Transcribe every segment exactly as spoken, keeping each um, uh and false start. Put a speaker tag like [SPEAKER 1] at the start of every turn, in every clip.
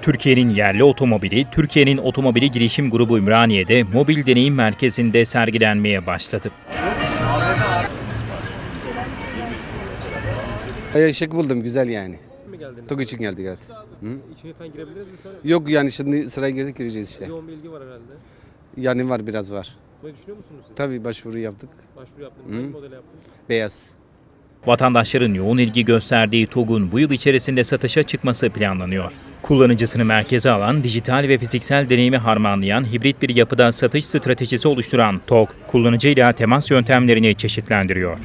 [SPEAKER 1] Türkiye'nin yerli otomobili, Türkiye'nin Otomobili Girişim Grubu Ümraniye'de mobil deneyim merkezinde sergilenmeye başladı.
[SPEAKER 2] Şık buldum, güzel yani.
[SPEAKER 3] mi geldiniz?
[SPEAKER 2] Çok için geldik, evet. Hı?
[SPEAKER 3] İçine falan girebiliriz mi şu an?
[SPEAKER 2] Yok yani şimdi sıraya girdik, gireceğiz işte.
[SPEAKER 3] Yoğun bir ilgi var herhalde.
[SPEAKER 2] Yani var, biraz var.
[SPEAKER 3] Ne düşünüyor musunuz siz?
[SPEAKER 2] Tabii başvuru yaptık.
[SPEAKER 3] Başvuru yaptınız.
[SPEAKER 2] Hı.
[SPEAKER 3] Hangi modele yaptınız?
[SPEAKER 2] Beyaz.
[SPEAKER 1] Vatandaşların yoğun ilgi gösterdiği TOG'un bu yıl içerisinde satışa çıkması planlanıyor. Kullanıcısını merkeze alan, dijital ve fiziksel deneyimi harmanlayan hibrit bir yapıda satış stratejisi oluşturan TOG, kullanıcıyla temas yöntemlerini çeşitlendiriyor.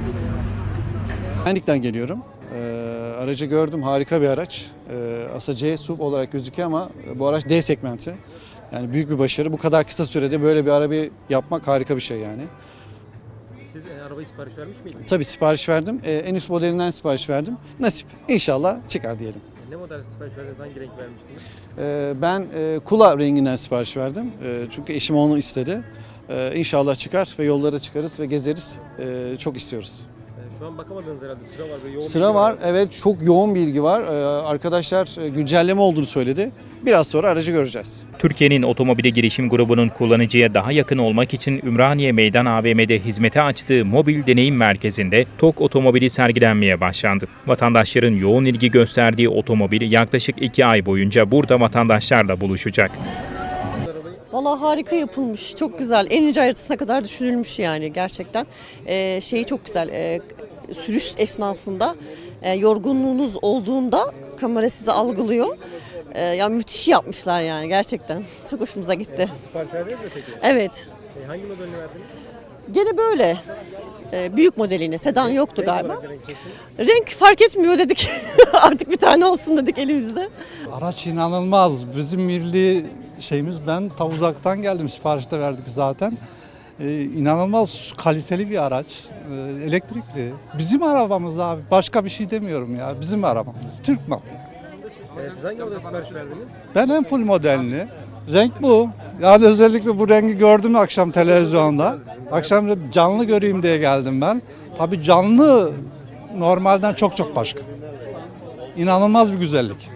[SPEAKER 4] Pendik'ten geliyorum. Ee, aracı gördüm, harika bir araç. Ee, aslında C S U V olarak gözüküyor ama bu araç D segmenti. Yani büyük bir başarı. Bu kadar kısa sürede böyle bir araba yapmak harika bir şey yani.
[SPEAKER 3] Siz e, arabayı sipariş vermiş miydiniz?
[SPEAKER 4] Tabii sipariş verdim. Ee, en üst modelinden sipariş verdim. Nasip. İnşallah çıkar diyelim.
[SPEAKER 3] Ne model sipariş verdiniz? Hangi renk vermiştiniz?
[SPEAKER 4] Ee, ben e, kula renginden sipariş verdim. Ee, çünkü eşim onu istedi. Ee, İnşallah çıkar ve yollara çıkarız ve gezeriz. Ee, çok istiyoruz.
[SPEAKER 3] E, şu an bakamadınız herhalde. Sıra var ve yoğun
[SPEAKER 4] Sıra
[SPEAKER 3] bilgi
[SPEAKER 4] var. Evet, çok yoğun bir ilgi var. Ee, arkadaşlar e, güncelleme olduğunu söyledi. Biraz sonra aracı göreceğiz.
[SPEAKER 1] Türkiye'nin Otomobili Girişim Grubu'nun kullanıcıya daha yakın olmak için Ümraniye Meydan A V M'de hizmete açtığı mobil deneyim merkezinde TOG otomobili sergilenmeye başlandı. Vatandaşların yoğun ilgi gösterdiği otomobil yaklaşık iki ay boyunca burada vatandaşlarla buluşacak.
[SPEAKER 5] Vallahi harika yapılmış, çok güzel. En ince ayrıntısına kadar düşünülmüş yani gerçekten. Ee, şeyi çok güzel, ee, sürüş esnasında e, yorgunluğunuz olduğunda kamera sizi algılıyor. Ee, yani müthiş yapmışlar yani gerçekten. Çok hoşumuza gitti.
[SPEAKER 3] Sipariş verdiniz mi peki?
[SPEAKER 5] Evet,
[SPEAKER 3] E, hangi modelini verdiniz?
[SPEAKER 5] gene böyle. Ee, büyük modeline, sedan yoktu galiba.
[SPEAKER 3] Renk olarak renk seçtiniz.
[SPEAKER 5] Renk fark etmiyor dedik. Artık bir tane olsun dedik elimizde.
[SPEAKER 6] Araç inanılmaz. Bizim milli şeyimiz, ben ta uzaktan geldim, siparişte verdik zaten. Ee, inanılmaz kaliteli bir araç. Ee, elektrikli. Bizim arabamız abi. Başka bir şey demiyorum ya. Bizim arabamız. Türk malı.
[SPEAKER 3] E, siz hangi model sipariş verdiniz?
[SPEAKER 6] Ben en full modelini. Renk bu. Yani özellikle bu rengi gördüm akşam televizyonda. Akşam canlı göreyim diye geldim ben. Tabii canlı normalden çok çok başka. İnanılmaz bir güzellik.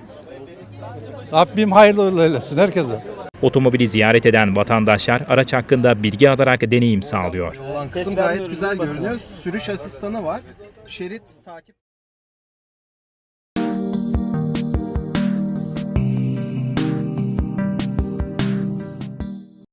[SPEAKER 6] Rabbim hayırlı eylesin herkese.
[SPEAKER 1] Otomobili ziyaret eden vatandaşlar araç hakkında bilgi alarak deneyim sağlıyor.
[SPEAKER 7] Olan kısım gayet güzel görünüyor. Sürüş asistanı var. Şerit takip